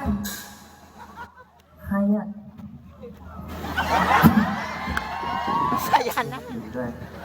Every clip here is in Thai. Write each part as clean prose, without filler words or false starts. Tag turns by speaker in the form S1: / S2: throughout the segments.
S1: ใครอ่ะ
S2: สายันนะ
S3: ด้วย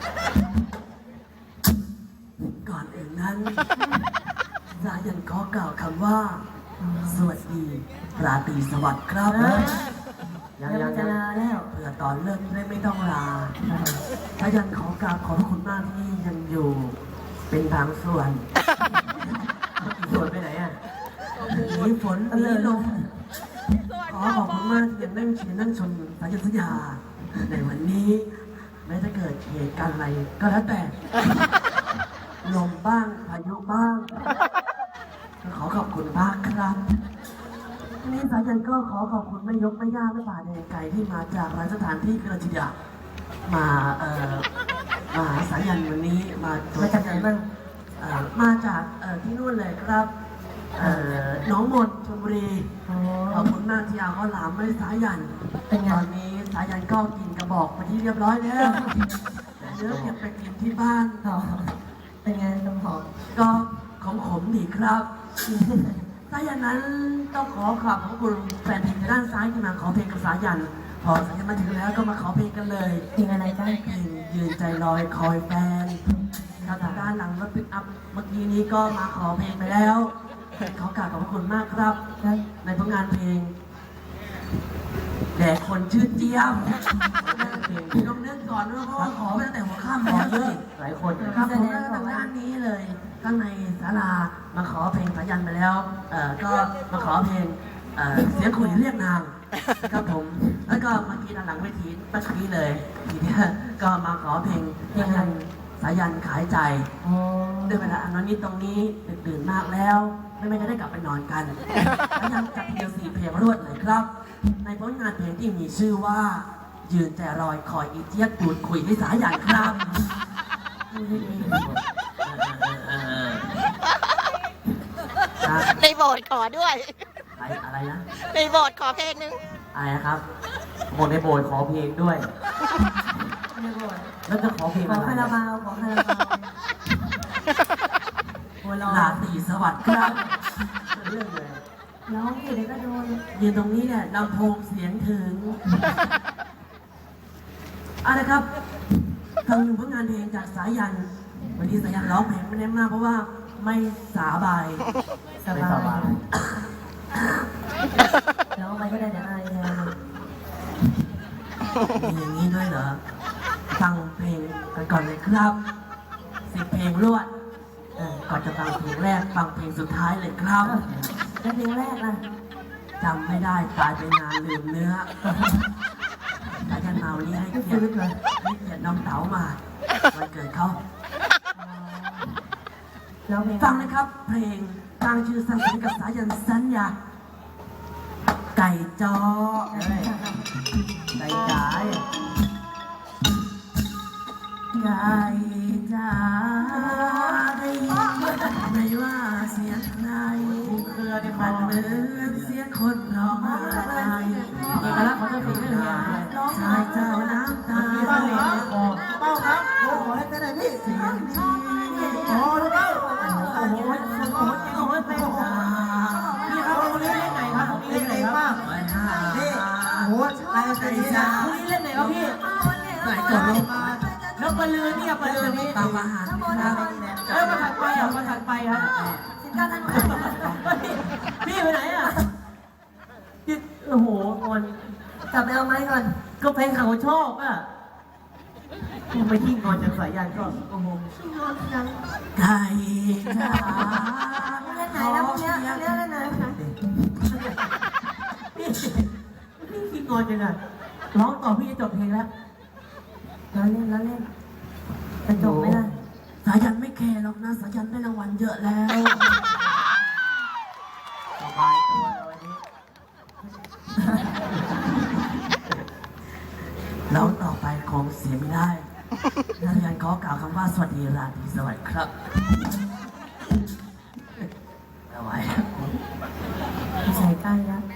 S4: ก่อนอื่นนั้นสายันขอกล่าวคำว่า สวัสดีราตรีสวัสดิ์ครับ
S1: ยังจะลาแล้ว
S4: เพื่อตอนเลิกได้ไม่ต้องลาสายันขอกราบขอบพระคุณมากที่ยังอยู่ เป็นบางส่วน
S3: ส่วนไปไหนอ่ะ
S4: หนีฝนหนีลมขอขอบคุณมากที่ยังนั่งเชียร์นั่งชมสายันสัญญาในวันนี้แม้จะเกิดเหตุการณ์อะไรก็แล้วแต่ ลมบ้างพายุบ้างก็ขอขอบคุณมากครับทีนี้สายันก็ขอขอบคุณแม่ยกแม่ย่าแม่ป่าแดงไก่ที่มาจากหลายสถานที่กระจิยามามาหาสายันวันนี้มา
S1: มาจากไหนบ้าง
S4: มาจากที่นู่นเลยครับหน้องมนชลบุรี
S1: อ๋อ
S4: ขอบคุณมากที่เอาข้าวหลามไม่สายัน
S1: เป็นไง
S4: ตอนนี้สายันก็กินกระบอกไปที่เรียบร้อยแล้วแต่เนื้อเก็บไปกินที่บ้าน
S1: ต่อเป็นไงน้ำหอม
S4: ก็ของผมดีครับถ้าอย่างนั้นต้องขอขอบคุณแฟนเพลงด้านซ้ายที่มาขอเพลงกับสายัน พอสายันมาถึงแล้วก็มาขอเพลงกันเลย
S1: เพลงอะไรบ้าง
S4: เพลงยืนใจลอยคอยแฟนทางด้านหลังรถปิกอัพเมื่อกี้นี้ก็มาขอเพลงไปแล้วขอกราบขอบพระคุณมากครับ ในผลงานเพลงแด่คนชื่อเจี๊ยบต้องนึกก่อนด้วยเพราะว่าขอไปตั้งแต่หัวค่ำแล้วเลย
S3: หลายคน
S4: ครับผมก็ทำงานนี้เลยข้างในศาลามาขอเพลงสายันไปแล้วก็มาขอเพลงเสียงขุยเรียกนางครับผมแล้วก็เมื่อกี้ด้านหลังเวทีเมื่อกี้เลยทีเนี้ยก็มาขอเพลงสายันขายใจ
S1: อ๋อ
S4: ด้วยเวลาอันนี้ตรงนี้ดึกดื่นมากแล้วไม่จะได้กลับไปนอนกันสายันจัดเพียง4เพลงรวดเลยครับ ในผลงานเพลงที่มีชื่อว่า ยืนใจรอยคอยอีเจี๊ยบดูดคุยให้สายันครับ
S2: ในโบสถ์ขอด้วย
S4: อะไรนะ
S2: ในโบสถ์ขอเพลงนึง
S4: อะไรนะครับ
S3: หมดในโบสถ์ขอเพลงด้วย
S1: ไม่บ่น
S3: แล้วจะขอเพลง
S1: ขอ
S3: อะไร
S1: คาราบาวขอคาราบาวหัวเร้อ
S4: ราตรีสวัสดิ์ครับ
S3: เรื่องเลย
S1: ร้องอยู่เดี๋ยวก็โดน
S4: ยืนตรงนี้เนี่ยลำโพงเสียงถึงอะไรครับทางหนึ่งผลงานเพลงจากสายัน วันนี้สายันร้องเพลงไม่ได้มากเพราะว่าไม่สาบาย
S1: สบายร้องไปก็ได้เดี๋ยวอายแทน
S4: มีอย่างนี้ด้วยเหรอ ฟังเพลงกันก่อนเลยครับ10 เพลงรวดก่อนจะฟังเพลงแรกฟังเพลงสุดท้ายเลยครับ
S1: แล้วเพลงแรกล่ะ
S4: จำไม่ได้ตายไปนานลืมเนื้อสายันมาวันนี้ให้เกียรติน้องเต๋ามาวันเกิดเขา
S1: ร้องเพลง
S4: ฟังนะครับ เพลงตั้งชื่อสั้นๆกับสายันสัญญาไก่จ้อ
S3: ใจจ๋า
S4: ไก่จ้าได้ยินไหมว่าเสียงใครเครือในมันเหมือนเสียงคนร้องไห้เอกลักษณ์ของเจ้าเพลงนี่เลยชายเจ้าน้ำตาเป้าครับขอให้เป็นอะไรพี่เสียงดีขอรู้เปล่าโอ้โหโอ้โหเป็นตาพี่ครับคนนี้เล่นไหนครับคนนี้เล่นไหนครับนี่โอ้โหไก่จ้าคนนี้เล่นไหนครับพี่ไหนจบลงแล้วปลือเนี่ยปลือนี่ตามอาหารครับมาถัดไปอ่ะมาถัดไปครับพี่ไปไหนอ่ะโอ้โหคน
S1: กลับไปเอาไม้ก่อน
S4: ก็เพลงเขาชอบอ่ะยังไปที่งอนจากสายยันก็โอ้โหไก่จ้า
S1: เล่นไหนแล้วพวกเนี้ยเล่นไหน
S4: พี่ขี้งอนจังอ่ะร้องต่อพี่จะจบเพลงแล้ว
S1: แล้วเล่นจะจบไหมล่ะ
S4: สายันไม่แคร์หรอกนะสายันได้รางวัลเยอะแล้ว
S3: สบายตัวเลยวันนี้
S4: แล้วต่อไปคงเสียไม่ได้สายันขอกล่าวคำว่าสวัสดีราตรีสวัสดิ์ครับเอาไว้
S1: ใส่ใกล้แล้ว